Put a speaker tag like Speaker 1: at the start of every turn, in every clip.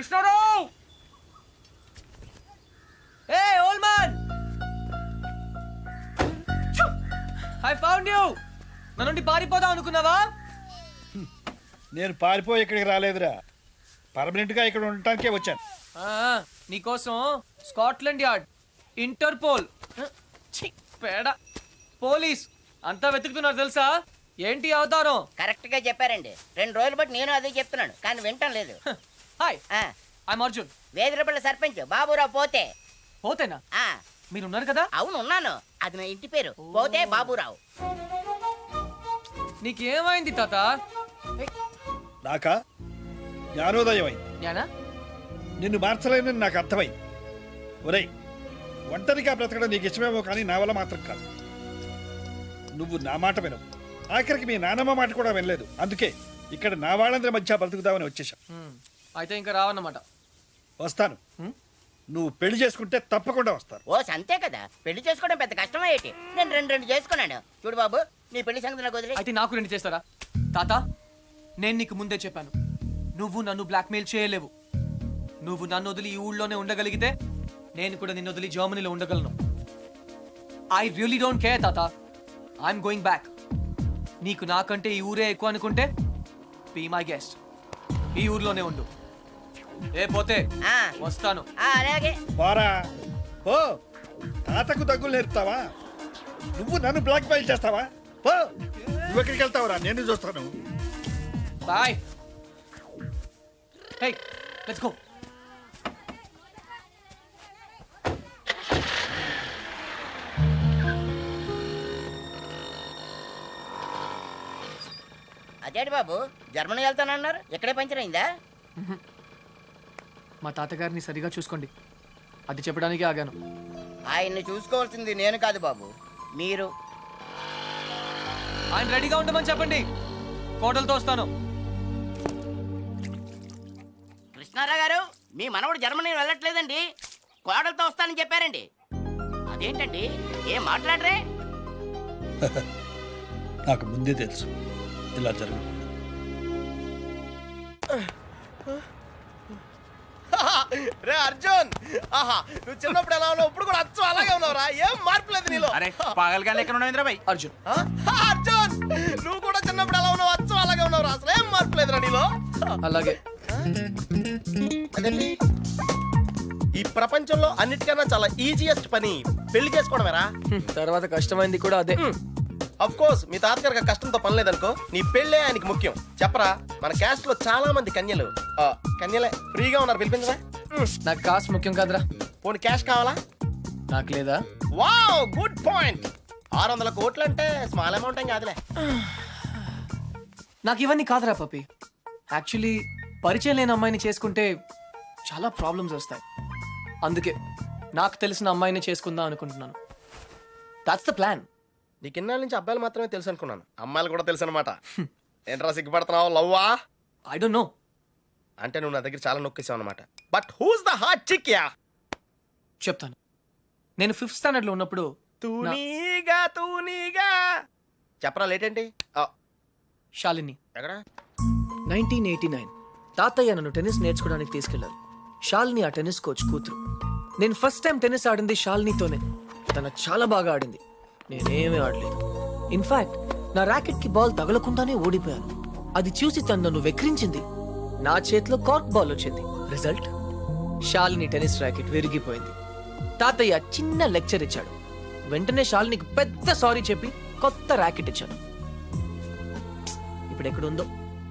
Speaker 1: Krishnarao! Hey old man, I found you. నా నుండి పారిపోదాం అనుకున్నావా?
Speaker 2: నేను పారిపోయి ఇక్కడికి రాలేదురా, పర్మనెంట్ గా ఇక్కడ ఉండటానికే వచ్చాను.
Speaker 1: నీకోసం స్కాట్లాండ్ యార్డ్, ఇంటర్పోల్, పేడ, పోలీస్ అంతా వెతుకుతున్నారు తెలుసా? ఏంటి అవతారం?
Speaker 3: కరెక్ట్ గా చెప్పారండి. 2 రోజులు బట్టి నేను అదే చెప్తున్నాను కానీ వింటం లేదు.
Speaker 1: Hi, I'm Arjun.
Speaker 3: వేదిరపల్లి సర్పంచ్ బాబురావు పోతే.
Speaker 1: పోతేనా?
Speaker 3: ఆ
Speaker 1: మీరున్నారు కదా?
Speaker 3: అవును ఉన్నాను. అది నా ఇంటి పేరు, పోతే బాబురావు.
Speaker 1: నీకేమైంది తాత?
Speaker 2: నాకా జ్ఞానోదయం అయింది.
Speaker 1: జ్ఞానా?
Speaker 2: నిన్ను మార్చలేనని నాకు అర్థమైంది. ఒరేయ్, ఒంటరిగా బ్రతకడం నీకు ఇష్టమేమో కానీ నా వల్ల మాత్రం కాదు. నువ్వు నా మాట వినవు, ఆఖరికి మీ నానమ్మ మాట కూడా వినలేదు. అందుకే ఇక్కడ నా వాళ్ళందరి మధ్య బ్రతుకుదామని వచ్చేసాం.
Speaker 1: అయితే ఇంకా రావన్నమాట.
Speaker 2: వస్తాను. నువ్వు పెళ్లి చేసుకుంటే తప్పకుండా వస్తాను.
Speaker 3: ఓ సంతే కదా, పెళ్లి చేసుకోవడం పెద్ద కష్టమే ఏంటి? నేను రెండు చేసుకున్నాను. చూడు బాబు, నీ పెళ్లి సంగతి నాకు వదిలే.
Speaker 1: అయితే నాకు 2 చేస్తారా? తాత, నేను నీకు ముందే చెప్పాను, నువ్వు నన్ను బ్లాక్మెయిల్ చేయలేవు. నువ్వు నన్ను వదిలి ఈ ఊళ్ళోనే ఉండగలిగితే నేను కూడా నిన్ను వదిలి జర్మనీలో ఉండగలను. ఐ రియలీ డోంట్ కేర్ తాత, ఐఎమ్ గోయింగ్ బ్యాక్. నీకు నాకంటే ఈ ఊరే ఎక్కువ అనుకుంటే బీ మై గెస్ట్, ఈ ఊర్లోనే ఉండు. ఏ పోతే వస్తాను.
Speaker 3: అలాగే
Speaker 2: బారా ఓ, తాతకు దగ్గులు నేర్పుతావా? నువ్వు నన్ను బ్లాక్ మెయిల్ చేస్తావా? పో, నువ్వు ఎక్కడికి వెళ్తావురా? నేను చూస్తాను.
Speaker 1: బాయ్. Hey, let's go.
Speaker 3: అదేంటి బాబు, జర్మనీ వెళ్తానన్నారు, ఇక్కడే పంచర్ అయిందా?
Speaker 1: మా తాతగారిని సరిగా చూసుకోండి, అది చెప్పడానికి ఆగాను.
Speaker 3: ఆయన్ని చూసుకోవాల్సింది నేను కాదు బాబు, మీరు.
Speaker 1: ఆయన రెడీగా ఉండమని చెప్పండి, కోటలతో వస్తాను.
Speaker 3: కృష్ణారావు గారు, మీ మనవడు జర్మనీ వెళ్ళట్లేదండి, కోడలతో వస్తానని చెప్పారండి. అదేంటండి, ఏం మాట్లాడరే?
Speaker 2: నాకు ముందే తెలుసు ఇలా జరుగు.
Speaker 4: రే అర్జున్, ఆహా, నువ్వు చిన్నప్పుడు ఎలా ఉన్నావు, ఇప్పుడు కూడా అచ్చు అలాగే ఉన్నావురా, ఏం మార్పు లేదు నీలో.
Speaker 5: అరే పాగలగా ఎక్కడ ఉన్నావు బాయ్?
Speaker 1: అర్జున్,
Speaker 4: అర్జున్, నువ్వు కూడా చిన్నప్పుడు ఎలా ఉన్నావు, అచ్చు అలాగే ఉన్నావురా, అసలు ఏం మార్పు లేదురా నీలో.
Speaker 1: అలాగే.
Speaker 4: అదేంటి, ఈ ప్రపంచంలో అన్నిటికన్నా చాలా ఈజియెస్ట్ పని పెళ్లి చేసుకోవడమేరా.
Speaker 1: తర్వాత కష్టమైంది కూడా అదే.
Speaker 4: అఫ్ కోర్స్ మీ తాతగారికి కష్టంతో పని లేదనుకో, నీ పెళ్ళే ఆయనకి ముఖ్యం. చెప్పరా, మన క్యాస్ట్ లో చాలా మంది కన్యలే ఫ్రీగా ఉన్నారు, పిలిపించరా.
Speaker 1: నాకు కాస్ట్ ముఖ్యం కాదురా.
Speaker 4: పోనీ క్యాష్ కావాలా?
Speaker 1: నాకు లేదా?
Speaker 4: Wow, good point. 600 కోట్లు అంటే స్మాల్ అమౌంట్ ఏం కాదులే.
Speaker 1: నాకు ఇవన్నీ కాదురా పప్పి. యాక్చువల్లీ పరిచయం లేని అమ్మాయిని చేసుకుంటే చాలా ప్రాబ్లమ్స్ వస్తాయి. అందుకే నాకు తెలిసిన అమ్మాయిని చేసుకుందాం అనుకుంటున్నాను. That's the plan.
Speaker 4: నీకు ఇన్నాళ్ళ నుంచి అబ్బాయిలు మాత్రమే తెలుసు అనుకున్నాను, అమ్మాయిలు కూడా తెలుసు అనమాట. ఏంట్రా సిగ్గుపడుతున్నావు, లవ్వా?
Speaker 1: I don't know.
Speaker 4: అంటే నువ్వు నా దగ్గర చాలా నొక్కేసావు అనమాట. But who's the hot chick yeah?
Speaker 1: చెప్తాను. నేను 5th స్టాండర్డ్ లో ఉన్నప్పుడు
Speaker 4: తూనీగా చెప్పరా, లేట్ ఏంటి?
Speaker 1: శాలిని.
Speaker 4: ఎక్కడ?
Speaker 1: 1989 తాతయ్య నన్ను టెన్నిస్ నేర్చుకోవడానికి తీసుకెళ్లారు. శాలిని ఆ టెన్నిస్ కోచ్ కూతురు. నేను ఫస్ట్ టైం టెన్నిస్ ఆడింది శాలినితోనే. తన చాలా బాగా ఆడింది, నేనేమీ ఆడలేదు. ఇన్ఫాక్ట్ నా ర్యాకెట్ కి బాల్ తగలకుండానే ఓడిపోయాను. అది చూసి తను నన్ను వెక్రించింది. నా చేతిలో కార్క్ బాల్ వచ్చింది. రిజల్ట్, శాలిని టెన్నిస్ ర్యాకెట్ విరిగిపోయింది. తాతయ్య చిన్న లెక్చర్ ఇచ్చాడు. వెంటనే శాలినికి పెద్ద సారీ చెప్పి కొత్త ర్యాకెట్ ఇచ్చాను. ఇప్పుడు ఎక్కడుందో.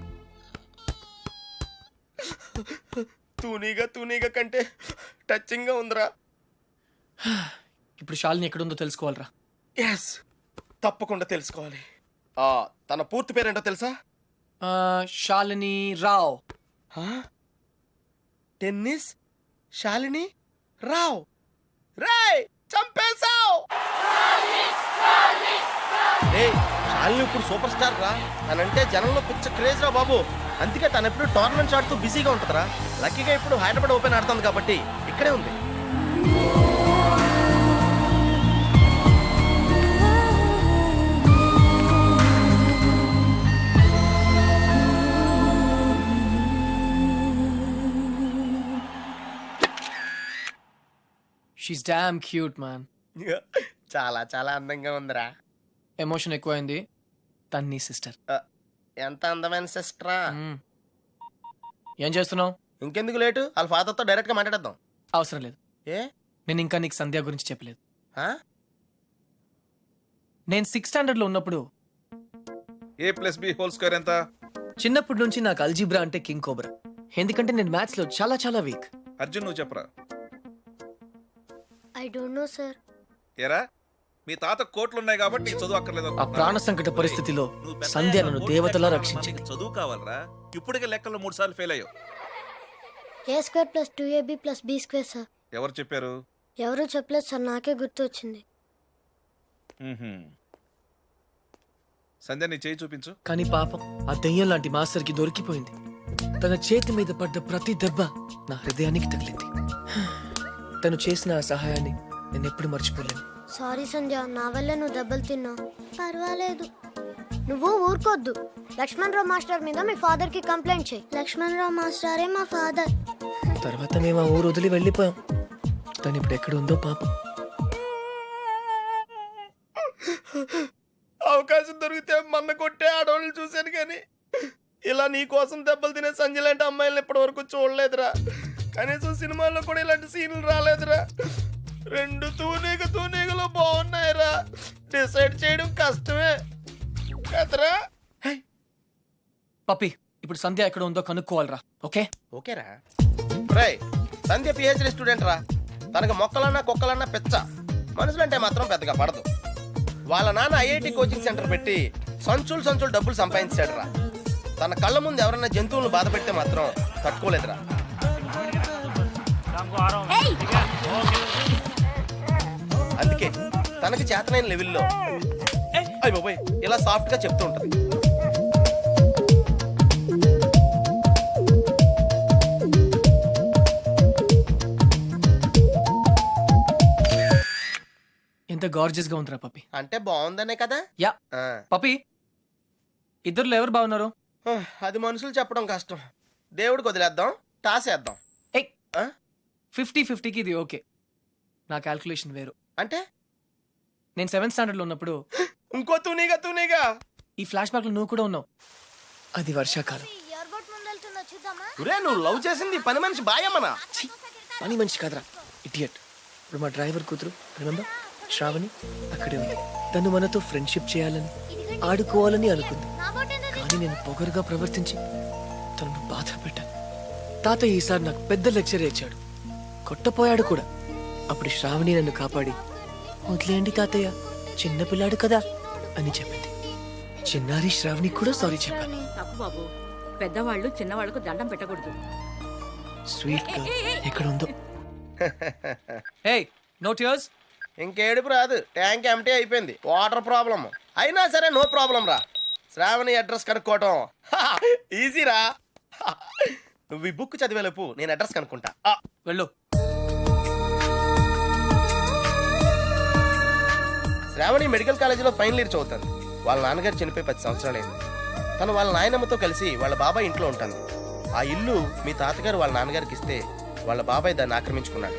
Speaker 4: తూనీగా కంటే టచింగ్ గా ఉందిరా.
Speaker 1: ఇప్పుడు శాలిని ఎక్కడుందో తెలుసుకోవాలరా.
Speaker 4: ఎస్, తప్పకుండా తెలుసుకోవాలి. తన పూర్తి పేరేంటో తెలుసా?
Speaker 1: శాలిని రావ్.
Speaker 4: టెన్నిస్ శాలిని రావ్. రేయ్, చంపేశావ్. శాలిని ఇప్పుడు సూపర్ స్టార్ రా. తనంటే జనంలో పిచ్చ క్రేజ్ రా బాబు. అందుకే తను ఎప్పుడు టోర్నమెంట్స్ ఆడుతూ బిజీగా ఉంటుందిరా. లక్కీగా ఇప్పుడు హైదరాబాద్ ఓపెన్ ఆడుతుంది కాబట్టి ఇక్కడే ఉంది.
Speaker 1: She's damn cute man.
Speaker 4: చాలా చాలా అందంగా ఉందిరా.
Speaker 1: ఎమోషన్ ఎక్కువైంది. తన్ని సిస్టర్.
Speaker 4: ఎంత అందమైన సిస్టరా.
Speaker 1: ఏం చేస్తున్నావు?
Speaker 4: ఇంకెందుకు లేటు, వాళ్ళ ఫాదర్తో డైరెక్ట్ గా మాట్లాడేద్దాం.
Speaker 1: అవసరం లేదు.
Speaker 4: ఏ
Speaker 1: నేను ఇంకా నీకు సంధ్య గురించి చెప్పలేదు.
Speaker 4: ఆ?
Speaker 1: నేను 6th స్టాండర్డ్ లో ఉన్నప్పుడు
Speaker 6: a+b² ఎంత?
Speaker 1: చిన్నప్పటి నుంచి నాకు అల్జీబ్రా అంటే కింగ్ కోబ్రా. ఎందుకంటే నేను మ్యాథ్స్ లో చాలా చాలా వీక్.
Speaker 6: అర్జున్ నువ్వు చెప్పరా.
Speaker 7: I don't know sir.
Speaker 6: ఏరా మీ తాత కోట్లున్నాయి కాబట్టి నీకు చదువు అక్కర్లేదు
Speaker 1: ఆ
Speaker 6: అనుకుంటున్నావా?
Speaker 1: ప్రాణ సంకట పరిస్థితిలో
Speaker 6: నువ్వు పెద్ద
Speaker 1: సంధ్య
Speaker 6: అయ్యాక
Speaker 1: నన్ను
Speaker 6: కోట్లు
Speaker 1: దేవతలా
Speaker 6: లెక్కలు
Speaker 1: రక్షించింది.
Speaker 6: మనకి చదువు కావాలరా. ఇప్పటికే లెక్కల్లో 3 సార్లు ఫెయిల్ అయ్యావు.
Speaker 7: a² + 2ab + b² sir.
Speaker 6: ఎవరు చెప్పారు?
Speaker 7: ఎవరు చెప్పలేదు సార్, నాకే గుర్తు వచ్చింది.
Speaker 6: సంధ్య నీ చేయి చూపించు.
Speaker 1: కానీ పాపం ఆ దెయ్యం లాంటి మాస్టర్ కి దొరికిపోయింది. తన చేతి మీద పడ్డ ప్రతి దెబ్బ నా హృదయానికి తగిలింది. తను చేసిన ఆ సహాయాన్ని నేను ఎప్పుడు మర్చిపోలేను.
Speaker 7: సారీ సంధ్య, నా వల్ల నువ్వు దెబ్బలు తిన్నావు. పర్వాలేదు, నువ్వు ఊరుకోద్దు. లక్ష్మణరావు మాస్టర్ మీద మీ ఫాదర్ కి కంప్లైంట్ చేయి. లక్ష్మణరావు మాస్టరే మా ఫాదర్.
Speaker 1: తర్వాత మేము ఆ ఊరు వదిలి వెళ్ళిపోయాం. తను ఇప్పుడు ఎక్కడ ఉందో పాపం.
Speaker 4: అవకాశం దొరికితే మన్న కొట్టే ఆడవాళ్ళు చూశాను కానీ ఇలా నీ కోసం దెబ్బలు తినే సంజయ్ లాంటి అమ్మాయిలను ఇప్పటి వరకు చూడలేదురా. కనీసం సినిమాల్లో కూడా ఇలాంటి సీన్లు రాలేదురా. 2 తూనీగలు బాగున్నాయిరా. డిసైడ్ చేయడం కష్టమే కదరా.
Speaker 1: పప్పి, ఇప్పుడు సంధ్య ఎక్కడ ఉందో కనుక్కోవాలరా. ఓకే
Speaker 4: ఓకేరా. రేయ్, సంధ్య పిహెచ్డి స్టూడెంట్ రా. తనకు మొక్కలన్నా కుక్కలన్నా పిచ్చ. మనుషులంటే మాత్రం పెద్దగా పడదు. వాళ్ళ నాన్న ఐఐటి కోచింగ్ సెంటర్ పెట్టి సంచులు డబ్బులు సంపాదించాడు రా. తన కళ్ళ ముందు ఎవరైనా జంతువులను బాధ పెడితే మాత్రం తట్టుకోలేదురా. అందుకే తనకి చేతనైన లెవెల్లో అయ్య బాబోయ్ ఇలా సాఫ్ట్ గా చెప్తూ ఉంటది.
Speaker 1: ఎంత గార్జియస్ గా ఉందిరా పప్పి.
Speaker 4: అంటే బాగుందనే కదా.
Speaker 1: యా
Speaker 4: ఆ.
Speaker 1: పప్పి, ఇద్దరులో ఎవరు బాగున్నారు?
Speaker 4: అది మనుషులు చెప్పడం కష్టం. దేవుడికి వదిలేద్దాం, టాసేద్దాం.
Speaker 1: ఏయ్, 50-50కి ఇది ఓకే. నా క్యాల్కులేషన్ వేరు.
Speaker 4: అంటే
Speaker 1: నేను 7th స్టాండర్డ్ లో ఉన్నప్పుడు
Speaker 4: ఇంకో తూనీగా
Speaker 1: ఈ ఫ్లాష్ బ్యాక్ లో నువ్వు కూడా ఉన్నావు. అది వర్షాకాలం.
Speaker 7: ఎయిర్పోర్ట్ ముందు వెళ్తున్నా, చూద్దామా?
Speaker 4: ఒరే, నువ్వు లవ్ చేసింది పని మనిషి బాయమ్మనా?
Speaker 1: ఛీ, పని మనిషి కాదురా, ఇడియట్. ఇప్పుడు మా డ్రైవర్ కూతురు రిమెంబర్ శ్రావణి అక్కడే ఉంది. తను మనతో ఫ్రెండ్షిప్ చేయాలని ఆడుకోవాలని అనుకుంది. కానీ నేను పొగరుగా ప్రవర్తించి తనను బాధ పెట్టాను. తాత ఈసారి నాకు పెద్ద లెక్చర్ ఇచ్చాడు, కొట్టపోయాడు కూడా. అప్పుడు శ్రావణి నన్ను కాపాడి వదిలేయండి తాతయ్య, చిన్నపిల్లాడు కదా అని చెప్పింది. చిన్నారి శ్రావణి కూడా సారీ చెప్పాను.
Speaker 8: తప్పు బాబు, పెద్దవాళ్ళు చిన్నవాళ్ళకు దండం పెట్టకూడదు.
Speaker 1: స్వీట్ గా ఎక్కడ ఉందో. హే, నో టియర్స్.
Speaker 4: ఇంకేడుపు రాదు, ట్యాంక్ ఎంటీ అయిపోయింది. వాటర్ ప్రాబ్లం అయినా సరే నో ప్రాబ్లం రా. శ్రావణి అడ్రస్ కనుక్కోవటం ఈజీరా. నువ్వు ఈ బుక్ చదివేలోపు నేను అడ్రస్ కనుక్కుంటా.
Speaker 1: వెళ్ళు.
Speaker 4: శ్రావణి మెడికల్ కాలేజీలో ఫైనల్ ఇయర్ చదువుతాను. వాళ్ళ నాన్నగారు చనిపోయి 10 సంవత్సరాలైంది. తను వాళ్ళ నాయనమ్మతో కలిసి వాళ్ళ బాబాయ్ ఇంట్లో ఉంటాను. ఆ ఇల్లు మీ తాతగారు వాళ్ళ నాన్నగారికి ఇస్తే వాళ్ళ బాబాయ్ దాన్ని ఆక్రమించుకున్నాడు.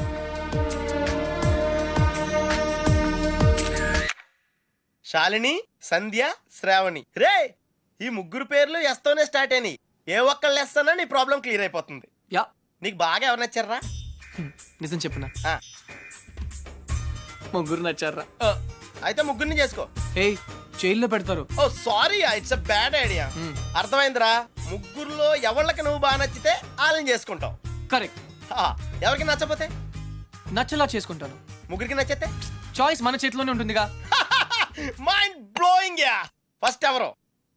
Speaker 4: శాలిని, సంధ్య, శ్రావణి. రే, ఈ ముగ్గురు పేర్లు ఎస్తోనే స్టార్ట్ అయినాయి. ఏ ఒక్కళ్ళు ఎస్తానో నీ ప్రాబ్లం క్లియర్ అయిపోతుంది.
Speaker 1: యా,
Speaker 4: నీకు బాగా ఎవరు నచ్చారా?
Speaker 1: నిజం చెప్పనా,
Speaker 4: ఆ,
Speaker 1: ముగ్గురు నచ్చారా?
Speaker 4: అయితే ముగ్గురిని చేసుకో.
Speaker 1: ఏయ్, జైల్లో పెడతారు.
Speaker 4: Oh sorry, it's a bad idea. అర్థమైందిరా. ముగ్గురులో ఎవళ్ళకి నువ్వు బాగా నచ్చితే వాళ్ళని చేసుకుంటావు.
Speaker 1: కరెక్ట్.
Speaker 4: ఎవరికి నచ్చపోతే
Speaker 1: నచ్చలా చేసుకుంటాను.
Speaker 4: ముగ్గురికి నచ్చితే
Speaker 1: చాయిస్ మన చేతిలోనే ఉంటుందిగా.
Speaker 4: Mind blowing yeah. ఫస్ట్ ఎవరు?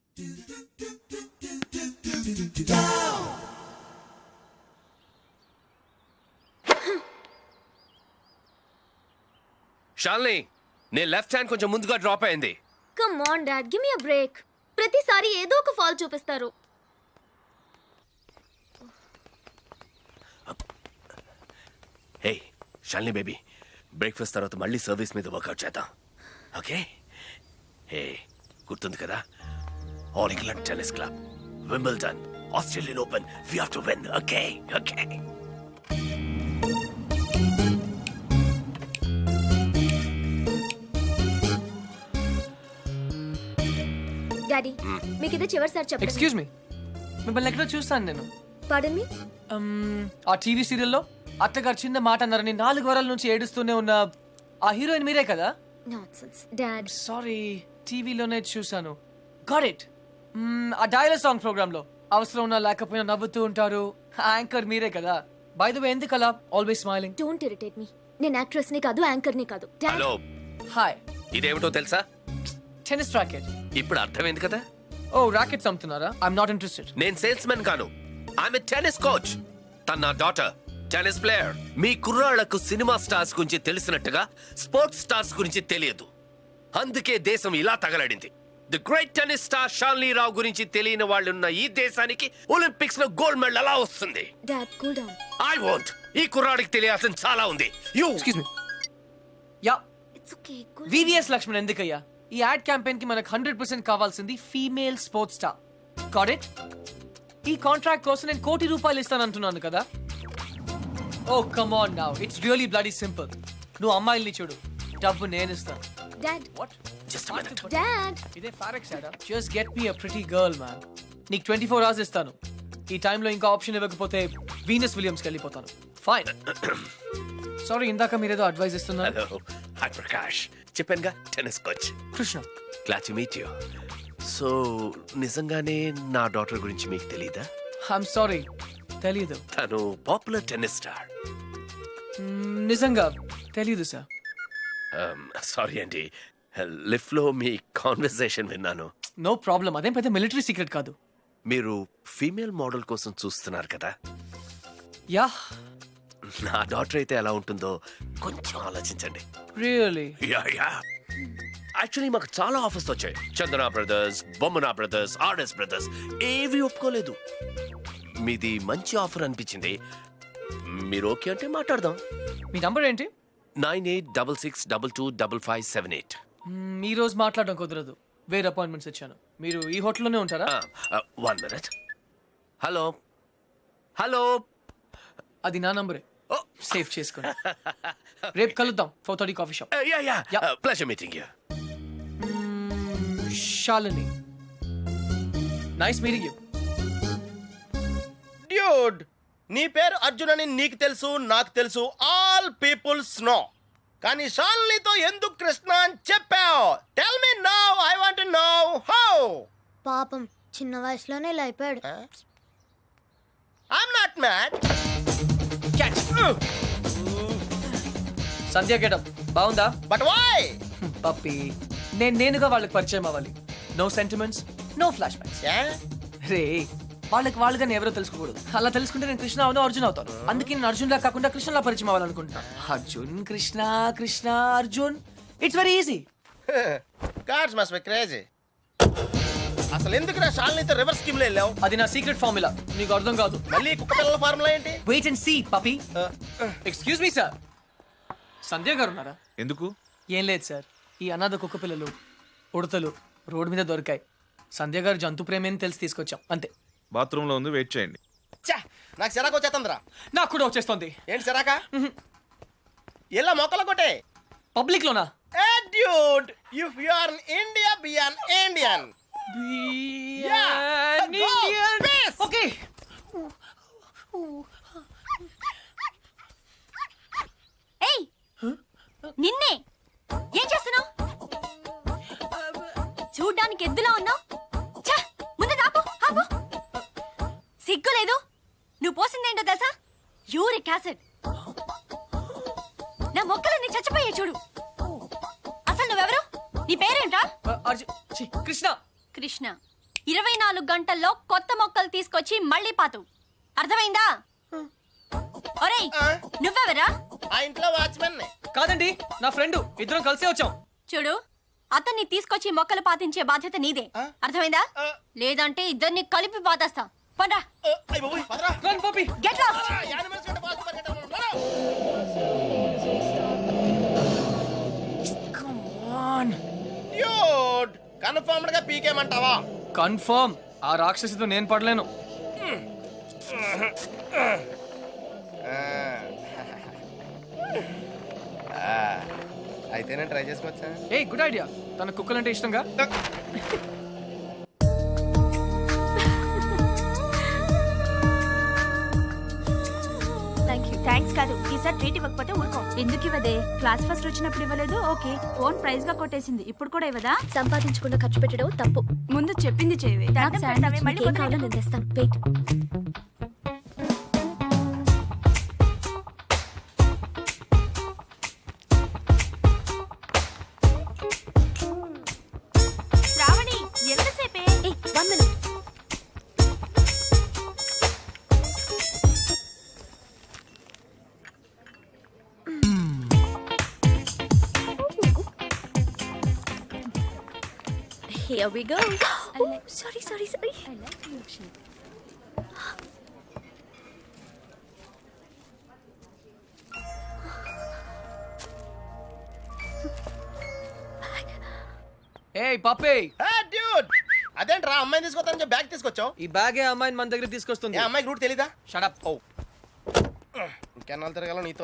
Speaker 9: షాల్ని, నీ లెఫ్ట్ హ్యాండ్ కొంచెం ముందుగా డ్రాప్ అయింది.
Speaker 7: Come on dad, give me a break. ప్రతిసారి ఏదో ఒక ఫాల్ చూపిస్తారు.
Speaker 9: హే షాల్ని బేబీ, బ్రేక్ఫాస్ట్ తర్వాత మళ్ళీ సర్వీస్ మీద వర్కౌట్ చేద్దాం, ఓకే? హే, గుర్తుంది కదా, All England tennis club, Wimbledon, Australian Open, we have to win, okay? Okay.
Speaker 7: Daddy మీకు ఇది చివరిసారి చెప్పండి.
Speaker 1: ఎక్స్క్యూజ్ మీ, మిమ్మల్ని ఎక్కడో చూస్తాను నేను.
Speaker 7: పాడన్ మీ.
Speaker 1: ఆ టీవీ సీరియల్లో అత్తగారు చిన్న మాట అన్నారని 4 వారాల నుంచి ఏడుస్తూనే ఉన్న ఆ హీరోయిన్ మీరే కదా?
Speaker 7: Nonsense dad.
Speaker 1: సారీ, టీవీలోనే చూసాను. Got it. ఆ డైలాగ్ సాంగ్ ప్రోగ్రామ్ లో అవసరం ఉన్నా లేకపోయినా నవ్వుతూ ఉంటారు. యాంకర్ మీరే కదా? బై ద వే, ఎందుకు అలా always smiling?
Speaker 7: Don't irritate me. నేను యాక్ట్రెస్ ని కాదు, యాంకర్ ని కాదు. డాడ్.
Speaker 9: Hello,
Speaker 1: hi.
Speaker 9: ఇదేమిటో తెలుసా?
Speaker 1: Tennis racket.
Speaker 9: ఇప్పుడు అర్థమైంది కదా?
Speaker 1: ఓ, రాకెట్స్ అమ్ముతున్నారా? I'm not interested.
Speaker 9: నేను సేల్స్ మెన్ కాను, ఐఎమ్ ఎ టెన్నిస్ కోచ్. తన నా డాటర్ టెన్నిస్ ప్లేయర్. మీ కుర్రాళ్లకు సినిమా స్టార్స్ గురించి తెలిసినట్టుగా స్పోర్ట్స్ స్టార్స్ గురించి తెలియదు. అందుకే దేశం ఇలా తగలడింది. The great tennis star Shanli Rao గురించి తెలియని వాళ్ళు ఉన్న ఈ దేశానికి ఒలింపిక్స్ లో గోల్డ్ మెడల్ ఎలా వస్తుంది?
Speaker 7: Dad cool down.
Speaker 9: I want. ఈ కుర్రాడికి తెలియాల్సిన చాలా ఉంది. You
Speaker 1: excuse me. Yeah,
Speaker 7: it's okay. Cool.
Speaker 1: VVS Laxman ఎందుకయ్యా? ఈ యాడ్ క్యాంపెయిన్ కి మనకు 100% కావాల్సింది female sports star. Got it? ఈ కాంట్రాక్ట్ కోసం నేను ₹1 కోటి ఇస్తానంటున్నాను కదా? Oh come on now, it's really bloody simple. నువ్వు అమ్మాయిల్ని చూడు, డబ్బు నేను ఇస్తాను.
Speaker 7: Dad.
Speaker 1: What?
Speaker 9: Just minute.
Speaker 7: Dad.
Speaker 1: ఇదే ఫారెక్స్ యాడా? Just get me a pretty girl man. నీకు 24 hours ఇస్తాను. ఈ టైంలో ఇంకా ఆప్షన్ ఇవ్వకపోతే వీనస్ విలియమ్స్కి వెళ్ళిపోతాను. ఫైన్. సారీ, ఇందాక మీరేదో అడ్వైస్ ఇస్తున్నారు.
Speaker 9: Hello, hi Prakash. చెప్పానుగా, tennis coach.
Speaker 1: Krishna.
Speaker 9: Glad to meet you. So నిజంగానే నా డాటర్ గురించి మీకు తెలీదా?
Speaker 1: ఐఎమ్ సారీ, తెలీదు.
Speaker 9: తను పాపులర్ టెన్నిస్ స్టార్.
Speaker 1: నిజంగా తెలీదు సార్.
Speaker 9: సారీ అండి, లిఫ్ట్ లో మీ కాన్వర్సేషన్ విన్నాను.
Speaker 1: నో ప్రాబ్లం, అదేం పెద్ద మిలిటరీ సీక్రెట్ కాదు.
Speaker 9: మీరు ఫీమేల్ మోడల్ కోసం చూస్తున్నారు కదా?
Speaker 1: యా.
Speaker 9: నా డాటర్ అయితే ఎలా ఉంటుందో కొంచెం ఆలోచించండి.
Speaker 1: రియలీ?
Speaker 9: Yeah yeah. యాక్చువల్లీ మాకు చాలా ఆఫర్స్ వచ్చాయి. Chandana brothers, Bommana brothers, RS brothers ఏవి ఒప్పుకోలేదు. మీది మంచి ఆఫర్ అనిపించింది. మీరు ఓకే అంటే మాట్లాడదాం.
Speaker 1: మీ నంబర్ ఏంటి?
Speaker 9: 9866225578.
Speaker 1: ఈ రోజు మాట్లాడడం కుదరదు, వేరే అపాయింట్మెంట్స్ ఇచ్చాను. మీరు ఈ హోటల్లోనే ఉంటారా?
Speaker 9: 1 minute. Hello hello.
Speaker 1: అది నా నంబరే, సేవ్ చేసుకోండి. రేపు కలుద్దాం 4:30 coffee shop.
Speaker 9: Yeah yeah.
Speaker 1: Yeah.
Speaker 9: Pleasure meeting you.
Speaker 1: Shalini, nice meeting you.
Speaker 4: Dude, నీ పేరు అర్జున్ అని నీకు తెలుసు, నాకు తెలుసు, ఆల్ పీపుల్స్ నో. కానీ షాలినితో ఎందుకు కృష్ణ అని చెప్పావు? Tell me now, I want to know how.
Speaker 7: పాపం చిన్న వయసులోనే ఇలా అయిపోయాడు.
Speaker 4: I'm not mad.
Speaker 1: Sandhya getup బాగుందా?
Speaker 4: But why?
Speaker 1: పప్పి, నేనుగా వాళ్ళకి పరిచయం అవ్వాలి. No sentiments, no flashbacks. రే, వాళ్ళకి కానీ ఎవరో తెలుసుకోకూడదు. అలా తెలుసుకుంటే నేను కృష్ణ అవును, అర్జున్ అవుతాను. అందుకే నేను అర్జున్ లా కాకుండా కృష్ణలా పరిచయం అవ్వాలనుకుంటున్నా. Arjun Krishna, Krishna Arjun, it's very easy.
Speaker 4: Cards must be crazy. అసలు ఎందుకు నా షాలినితో రివర్స్ స్కీమ్ లో వెళ్ళావు?
Speaker 1: అది నా సీక్రెట్ ఫార్ములా, నీకు అర్థం కాదు.
Speaker 4: మళ్ళీ కుక్క పిల్లల ఫార్ములా ఏంటి?
Speaker 1: Wait and see puppy. Excuse me sir, Sandhya గారు ఉన్నారా?
Speaker 6: ఎందుకు?
Speaker 1: ఏం లేదు సార్, ఈ అనాథ కుక్క పిల్లలు ఉడతలు రోడ్డు మీద దొరికాయి. సంధ్య గారు జంతు ప్రేమని తెలిసి తీసుకొచ్చాం, అంతే.
Speaker 6: బాత్రూంలో ఉంది, వెయిట్ చేయండి.
Speaker 4: ఛా, నాకు సిరాకు వచ్చేస్తుందిరా.
Speaker 1: నాకు కూడా వచ్చేస్తుంది.
Speaker 4: ఏంటి సిరాక? ఇలా మొక్కలు కొట్టే
Speaker 1: పబ్లిక్ లోనా?
Speaker 4: dude, if you are in India, be an Indian. Yeah, go, peace.
Speaker 1: Okay.
Speaker 7: ఏయ్, నిన్నే ఏం చేస్తున్నావు? చూడ్డానికి ఎద్దులా ఉన్నావు. ముందు ఆపు, ఆపు. సిగ్గు లేదు. నువ్వు పోసిందేంటో తెలుసా? Uric acid. నా మొక్కలన్నీ చచ్చిపోయే చూడు. అసలు నువ్వెవరు? నీ పేరేంటా?
Speaker 1: కృష్ణ.
Speaker 7: కృష్ణ. 24 గంటల్లో కొత్త మొక్కలు తీసుకొచ్చి మళ్ళీ పాతు. అర్థమైందా? ఒరేయ్, నువ్వెవరా?
Speaker 4: ఆ ఇంట్లో వాచ్మెన్.
Speaker 1: కాదండి, నా ఫ్రెండ్. ఇద్దరం కలిసే వచ్చాం.
Speaker 7: చూడు, అతన్ని తీసుకొచ్చి మొక్కలు పాతించే బాధ్యత నీదే. అర్థమైందా? లేదంటే ఇద్దరిని కలిపి పాతేస్తా. పండ్రా.
Speaker 1: Run puppy.
Speaker 7: Get lost.
Speaker 1: Come on
Speaker 4: dude, confirmed గా పీకేమంటావా?
Speaker 1: కన్ఫర్మ్. ఆ రాక్షసితో నేను పడలేను.
Speaker 4: అయితే నేను ట్రై చేసుకోవచ్చా?
Speaker 1: A good idea. తన కుక్కలంటే ఇష్టంగా.
Speaker 10: ట్రీట్ ఇవ్వకపోతే ఊరుకో. ఎందుకు ఇవ్వదే? క్లాస్ ఫస్ట్ వచ్చినప్పుడు ఇవ్వలేదు, ఓకే. ఫోన్ ప్రైజ్ గా కొట్టేసింది, ఇప్పుడు కూడా ఇవ్వదా?
Speaker 7: సంపాదించకుండా ఖర్చు పెట్టడం తప్పు.
Speaker 10: ముందు చెప్పింది చేయవే. మళ్ళీ
Speaker 7: ఏం కావాలో నేను తెస్తాను. వెయిట్.
Speaker 10: శ్రావణి ఎంతసేపే?
Speaker 7: 1 minute. Here we go. Oh, sorry.
Speaker 10: I like milkshake.
Speaker 1: ఏయ్ పప్పే,
Speaker 4: డ్యూడ్ అదేంట్రా అమ్మాయిని తీసుకొస్తానని చెప్పి బ్యాగ్ తీసుకొచ్చావు?
Speaker 1: ఈ బ్యాగే అమ్మాయిని మన దగ్గర తీసుకొస్తుంది.
Speaker 4: ఏ అమ్మాయికి రూట్ తెలీదా?
Speaker 1: షడప్.
Speaker 4: ఓ ఇంకెన్నాళ్ళు తిరగాల నీతో.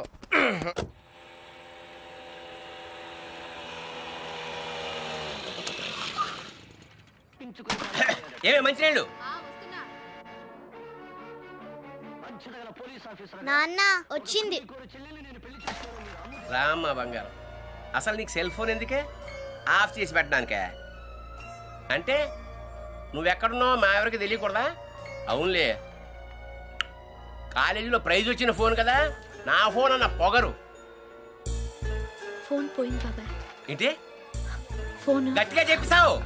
Speaker 3: ఏమే మంచినీళ్ళు?
Speaker 7: నాన్న వచ్చింది.
Speaker 3: రామ్మ బంగారం, అసలు నీకు సెల్ ఫోన్ ఎందుకే? ఆఫ్ చేసి పెట్టడానికే? అంటే నువ్వెక్కడున్నావు మా ఎవరికి తెలియకూడదా? అవునులే, కాలేజీలో ప్రైజ్ వచ్చిన ఫోన్ కదా, నా ఫోన్ అన్న పొగరు.
Speaker 7: ఫోన్ పోయింది బాబాయ్.
Speaker 3: ఏంటి
Speaker 7: ఫోన్
Speaker 3: గట్టిగా చెప్పిసావు?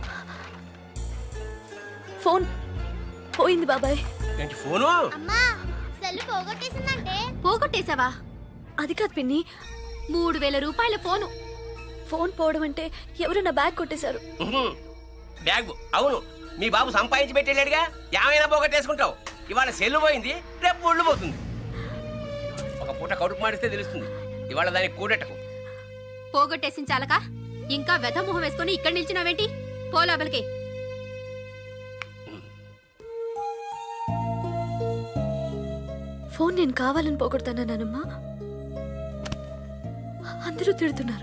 Speaker 7: ఫోన్ పోయింది బాబాయ్.
Speaker 3: ఏంటి ఫోను?
Speaker 7: అమ్మా సెల్ పోగొట్టేసిందంటే. పోగొట్టేసావా? అది కాదు పిన్ని, 3000 రూపాయల ఫోను. ఫోన్ పోవడం అంటే ఎవరు నా బ్యాగ్ కొట్టేశారు.
Speaker 3: బ్యాగ్? అవును, మీ బాబు సంపాదించి పెట్టేళ్ళాడుగా, ఏమైనా పోగొట్టేసుకుంటావు. ఇవాళ సెల్లు పోయింది, రేపు ఒళ్ళు పోతుంది. ఒక పూట కడుపు మాడిస్తే తెలుస్తుంది, ఇవాళ దానికి కూడెట్టకు.
Speaker 10: పోగొట్టేసిన చాలక ఇంకా వెధ మొహం వేసుకొని ఇక్కడ నిల్చున్నావేంటి? పో లోపలికి.
Speaker 7: ఫోన్ నేను కావాలని పోగొడతానా నానమ్మా? అందరూ తిడుతున్నారు,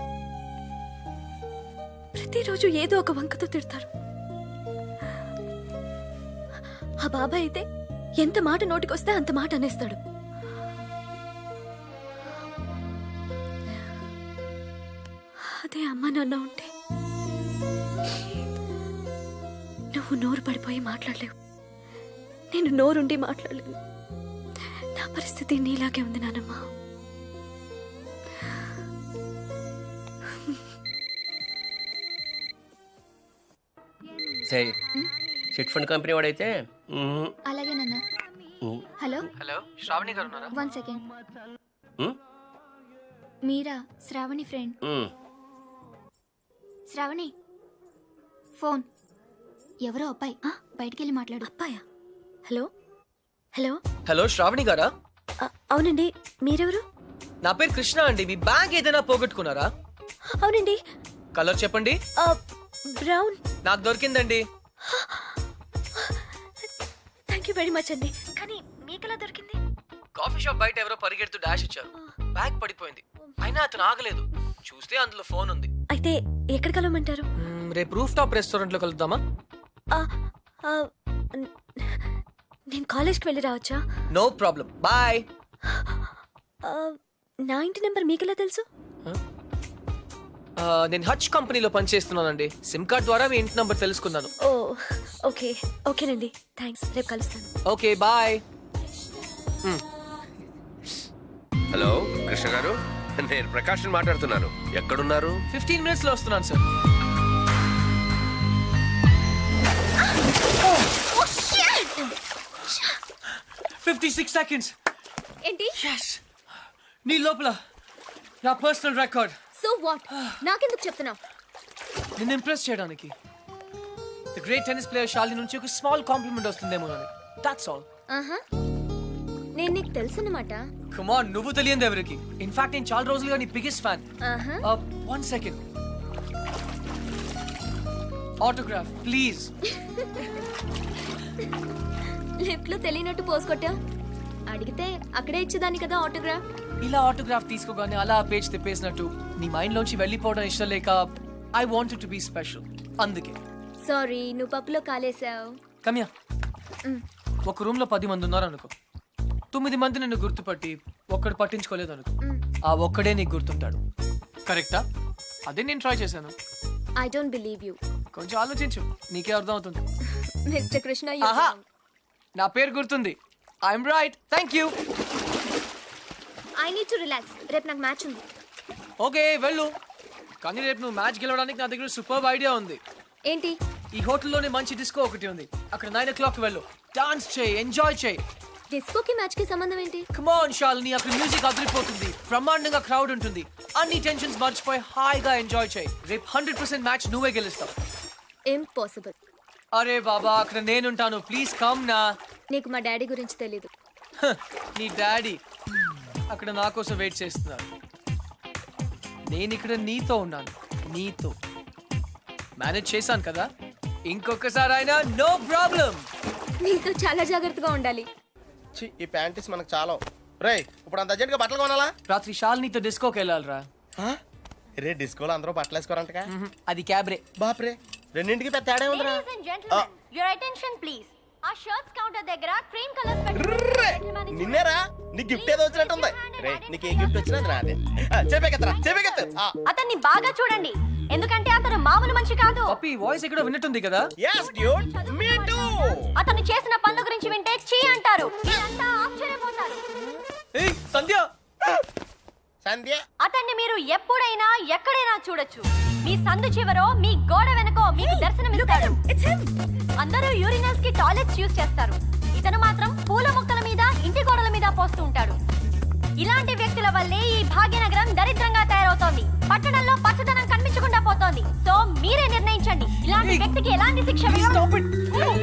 Speaker 7: ప్రతిరోజు ఏదో ఒక వంకతో తిడతారు. ఆ బాబాయ్ అయితే ఎంత మాట నోటికొస్తే అంత మాట అనేస్తాడు. అదే అమ్మ నాన్న ఉంటే నువ్వు నోరు పడిపోయి మాట్లాడలేవు, నేను నోరుండి మాట్లాడలేను. నా పరిస్థితి నీలాగే ఉంది నానమ్మా.
Speaker 3: సరే, చిట్ ఫండ్ కంపెనీ వాడైతే
Speaker 7: అలాగే నాన్న. హలో
Speaker 1: హలో, శ్రావణి గారు ఉన్నారా?
Speaker 7: 1 second. మీరా? శ్రావణి ఫ్రెండ్. శ్రావణి ఫోన్. ఎవరో అబ్బాయి, బయటికెళ్ళి మాట్లాడు. అబ్బాయా? హలో హలో
Speaker 1: హలో, శ్రావణి గారా?
Speaker 7: అవునండి, మీరెవరు?
Speaker 1: నా పేరు కృష్ణ అండి. మీ బ్యాగ్ ఏదైనా పోగొట్టుకున్నారా?
Speaker 7: అవునండి.
Speaker 1: కలర్ చెప్పండి.
Speaker 7: బ్రౌన్.
Speaker 1: నాకు దొరికిందండి.
Speaker 7: థ్యాంక్ యూ వెరీ మచ్ అండి. కానీ మీకెలా దొరికింది?
Speaker 1: కాఫీ షాప్ బయట ఎవరో పరిగెడుతూ డాష్ ఇచ్చారు, బ్యాగ్ పడిపోయింది. అయినా అతను ఆగలేదు, చూస్తే అందులో ఫోన్ ఉంది.
Speaker 7: అయితే ఎక్కడ కలవమంటారు?
Speaker 1: రేపు రూఫ్ టాప్ రెస్టారెంట్ లో కలుద్దామా?
Speaker 7: నేను కాలేజ్కి వెళ్ళి రావచ్చా?
Speaker 1: No problem, bye.
Speaker 7: నా ఇంటి నెంబర్ మీకెలా తెలుసు?
Speaker 1: నేను హచ్ కంపెనీలో పనిచేస్తున్నానండి. సిమ్ కార్డ్ ద్వారా మీ ఇంటి నంబర్ తెలుసుకున్నాను.
Speaker 7: ఓ ఓకే, ఓకేనండి, థ్యాంక్స్. రేపు కలుస్తాను.
Speaker 1: Okay, bye.
Speaker 9: హలో కృష్ణ గారు, నేను ప్రకాష్ మాట్లాడుతున్నాను. ఎక్కడున్నారు?
Speaker 1: 15 minutes లో వస్తున్నాను సార్.
Speaker 7: Oh, shit!
Speaker 1: 56 seconds.
Speaker 7: ఏంటి?
Speaker 1: Yes. నీ లోపల నా పర్సనల్ రికార్డ్.
Speaker 7: So what? నాకెందుకు చెప్తున్నావు?
Speaker 1: నిన్ను ఇంప్రెస్ చేయడానికి. The great tennis player Shalini నుంచి ఒక స్మాల్ కాంప్లిమెంట్ వస్తుందేమో అని. That's all.
Speaker 7: నేను నీకు తెలుసన్నమాట.
Speaker 1: కమ్ ఆన్, నువ్వు తెలియదు ఎవరికి. ఇన్ఫాక్ట్ నేను చాలా రోజులుగా నీ biggest fan. 1 second. Autograph please.
Speaker 7: Lift లో తెలియనట్టు పోస్ కొట్టా. అడిగితే అక్కడే ఇచ్చేదాన్ని కదా ఆటోగ్రాఫ్.
Speaker 1: ఇలా ఆటోగ్రాఫ్ తీసుకోగానే అలా పేజ్ తిప్పేసినట్టు నీ మైండ్ లోంచి వెళ్ళిపోవడం ఇష్టం లేక I wanted to be special, అందుకే.
Speaker 7: సారీ, నువ్వు పప్పులో కాలేసావు.
Speaker 1: కమ్యా, ఒక రూమ్ లో 10 మంది ఉన్నారు అనుకో. 9 మంది నిన్ను గుర్తుపట్టి ఒక్కడు పట్టించుకోలేదు అనుకో, ఆ ఒక్కడే నీకు గుర్తుంటాడు. కరెక్టా? అదే నేను ట్రై చేశాను.
Speaker 7: I don't believe you.
Speaker 1: కొంచెం ఆలోచించు, నీకే అర్థం అవుతుంది.
Speaker 7: మిస్టర్ కృష్ణ,
Speaker 1: ఆహా, నా పేరు గుర్తుంది. I'm right. Thank you.
Speaker 7: I need to relax. రేపు నాకు మ్యాచ్ ఉంది.
Speaker 1: ఓకే వెళ్ళు, కానీ రేపు నువ్వు మ్యాచ్ గెలవడానికి నా దగ్గర సూపర్ ఐడియా ఉంది.
Speaker 7: ఏంటి?
Speaker 1: ఈ హోటల్లోనే మంచి డిస్కో ఒకటి ఉంది, అక్కడ 9 o'clock వెళ్ళు. డాన్స్ చేయి, ఎంజాయ్ చేయి.
Speaker 7: డిస్కోకి మ్యాచ్ కి సంబంధం ఏంటి?
Speaker 1: కమ్ ఆన్ శాలిని, అక్కడ మ్యూజిక్ అదిరిపోతుంది, బ్రహ్మాండంగా క్రౌడ్ ఉంటుంది, అన్ని టెన్షన్స్ మర్చిపోయి హాయిగా ఎంజాయ్ చేయి. రేపు 100% మ్యాచ్ నువ్వే గెలుస్తావు.
Speaker 7: ఇంపాసిబుల్.
Speaker 1: అరే బాబా, అక్కడ నేనుంటాను, ప్లీజ్ కమ్ నా.
Speaker 7: నీకు మా డాడీ గురించి తెలీదు.
Speaker 1: నీ డాడీ అక్కడ నా కోసం వెయిట్ చేస్తున్నారు. నేను ఇక్కడ నీతో ఉన్నాను, నీతో మేనేజ్ చేశాను కదా, ఇంకొకసారి అయినా నో ప్రాబ్లం.
Speaker 7: నీతో చాలా జాగ్రత్తగా ఉండాలి.
Speaker 4: ఈ ప్యాంటీస్ మనకు చాలా. రే, ఇప్పుడు అంత అర్జెంట్గా బట్టలు కొనాలా?
Speaker 1: రాత్రి శాలినితో డిస్కోకి వెళ్ళాలిరా.
Speaker 4: రే, డిస్కోలో అందరూ బట్టలు వేసుకోరంటగా.
Speaker 1: అది క్యాబ్రే.
Speaker 4: బాప్రే, రెండింటికి పెద్ద తేడా ఉందిరా.
Speaker 7: Your attention please. ఆ షర్ట్స్ కౌంటర్ దగ్గర క్రీమ్ కలర్స్
Speaker 4: ర్రే, నిన్నేరా, నీ గిఫ్ట్ ఏదో వచ్చినట్టుంది. రే, నీకు ఏ గిఫ్ట్ వచ్చినా అది నాదే. చెప్పేకెత్తరా, చెప్పేకెత్తు.
Speaker 7: అతన్ని బాగా చూడండి, ఎందుకంటే అతను మామూలు మనిషి కాదు.
Speaker 1: పప్పి వాయిస్ ఎక్కడో విన్నట్టుంది కదా.
Speaker 4: yes dude, me too.
Speaker 7: అతను చేసిన పనుల గురించి వింటే చీ అంటారు, మీరంతా ఆశ్చర్యపోతారు.
Speaker 1: ఏయ్ సంధ్య,
Speaker 4: సంధ్య,
Speaker 7: అతన్ని మీరు ఎప్పుడైనా ఎక్కడైనా చూడొచ్చు. మీ సందు చివరో మీ గోడ వెనకో మీకు దర్శనమిస్తాడు. అందరూ యూరినల్స్ కి టాయిలెట్స్ యూజ్ చేస్తారు, ఇతను మాత్రం పూల మొక్కల మీద, ఇంటి గోడల మీద పోస్తూ ఉంటాడు. ఇలాంటి వ్యక్తుల వల్లే ఈ భాగ్యనగరం దరిద్రంగా తయారవుతోంది, పట్టణంలో పచ్చదనం కనిపించకుండా పోతోంది. సో మీరే నిర్ణయించండి, ఇలాంటి వ్యక్తికి ఎలాంటి శిక్ష
Speaker 1: Stop it.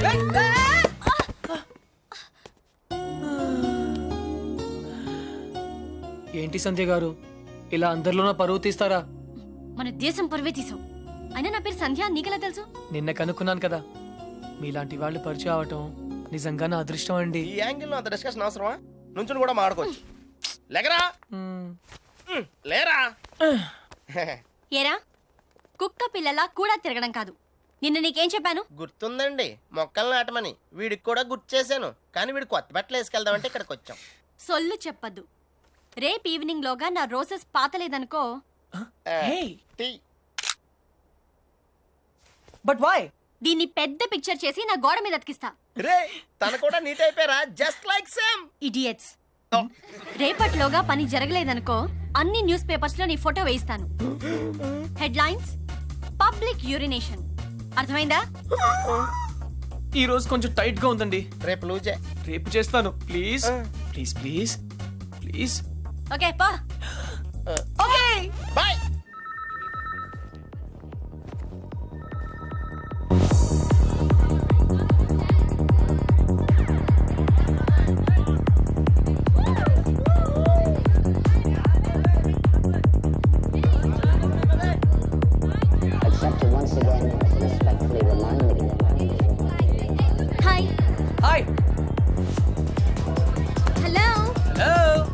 Speaker 1: ఏంటి సంధ్య గారు, ఇలా అందరిలోనూ పరువు తీస్తారా?
Speaker 10: మన దేశం పరువే తీసావు. అయినా నా పేరు సంధ్య, నీకెలా తెలుసు?
Speaker 1: నిన్న కనుక్కున్నాను కదా. మీలాంటి వాళ్ళు పరిచయం అవటం నిజంగా నా అదృష్టం అండి.
Speaker 4: ఈ యాంగిల్ లో అంత డిస్కషన్ అవసరమా? నుంచుని కూడా మాడుకోవచ్చు. లేకరా, లేరా.
Speaker 10: ఏరా, కుక్క పిల్లలా కూడా తిరగడం కాదు. నిన్న నీకేం చెప్పాను?
Speaker 4: గుర్తుందండి, మొక్కలు నాటమని. వీడికి కూడా గుర్తు చేశాను, కానీ వీడు కొత్త బట్టలు వేసుకెళ్దామంటే ఇక్కడికి వచ్చాం.
Speaker 10: సొల్లు చెప్పద్దు. రేపు ఈవినింగ్ లోగా నా రోజెస్ పాతలేదనుకో.
Speaker 4: టీ.
Speaker 1: But why?
Speaker 10: దీన్ని పెద్ద పిక్చర్ చేసి నా గోడ మీద అతికిస్తా.
Speaker 4: రే, తన కూడా నీట్ అయిపోయారా, జస్ట్ లైక్ సేమ్.
Speaker 10: ఇడియట్స్. రేపట్లోగా పని జరగలేదనుకో, అన్ని న్యూస్ పేపర్స్ లో నీ ఫోటో వేయిస్తాను. Headlines: public urination. అర్థమైందా?
Speaker 1: ఈ రోజు కొంచెం టైట్ గా ఉందండి.
Speaker 4: రేపు లూజే.
Speaker 1: రేపు చేస్తాను, please please please please.
Speaker 10: Okay పా.
Speaker 1: Okay
Speaker 4: bye.
Speaker 7: Hi.
Speaker 1: Hi.
Speaker 7: Hello.
Speaker 1: Hello.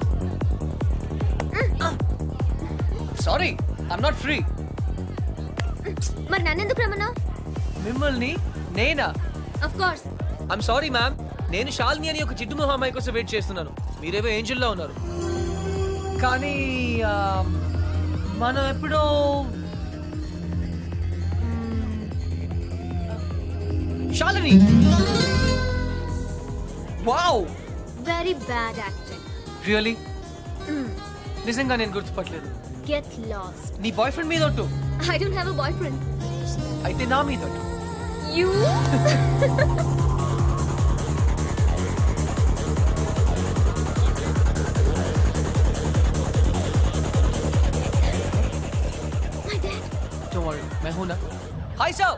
Speaker 1: Sorry, I'm not free.
Speaker 7: మరి నన్నెందుకు రమ్మన్నా?
Speaker 1: మిమ్మల్ని నేనా?
Speaker 7: Of course.
Speaker 1: I'm sorry ma'am, నేను శాలిని అని ఒక జిడ్డు మొహం అమ్మాయి కోసం వెయిట్ చేస్తున్నాను. మీరేవో ఏంజల్లో ఉన్నారు. కానీ మనం ఎప్పుడో Shalini. Wow,
Speaker 7: very bad acting.
Speaker 1: Really? నిజంగా నేను గుర్తుపట్టలేదు.
Speaker 7: Get lost.
Speaker 1: నీ బాయ్ ఫ్రెండ్ మీద ఒట్టు.
Speaker 7: I don't have a boyfriend.
Speaker 1: అయితే నా మీద ఒట్టు.
Speaker 7: You. My dad.
Speaker 1: Don't worry, मैं हूं ना. Hi sir.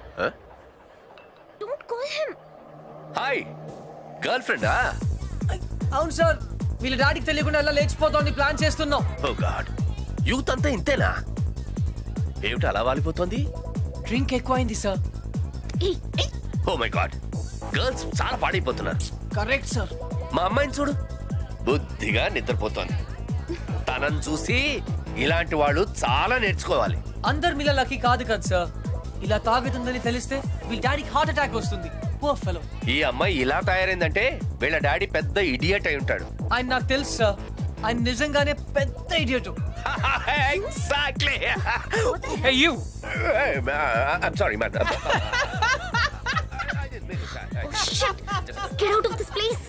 Speaker 7: Don't call him.
Speaker 9: Hi, girl ఫ్రెండా?
Speaker 1: అవును సార్, వీళ్ళ డాడీకి తెలియకుండా ఎలా లేచిపోతామని ప్లాన్ చేస్తున్నాం.
Speaker 9: ఓ గాడ్, యూత్ అంతా ఇంతేనా? ఏమిటి అలా వాలిపోతుంది?
Speaker 1: డ్రింక్ ఎక్కువైంది sir.
Speaker 9: Oh my god, girls చాలా పాడైపోతున్నారు.
Speaker 1: Correct sir.
Speaker 9: మా అమ్మాయిని చూడు, బుద్ధిగా నిద్రపోతోంది. తనని చూసి ఇలాంటి వాళ్ళు చాలా నేర్చుకోవాలి.
Speaker 1: అందరు మీలా లక్కీ కాదు కదా సార్. ఇలా తాగుతుందని తెలిస్తే వీళ్ళ డాడీకి హార్ట్ అటాక్ వస్తుంది. Poor fellow.
Speaker 9: ఈ అమ్మాయి ఇలా తయారైందంటే వీళ్ళ డాడీ పెద్ద ఇడియట్ అయి ఉంటాడు.
Speaker 1: ఆయన నాకు తెలుసు సార్. ఆయన నిజంగానే పెద్ద idiot.
Speaker 9: Exactly.
Speaker 5: Hey, you.
Speaker 9: I'm sorry man.
Speaker 10: Get out of this place.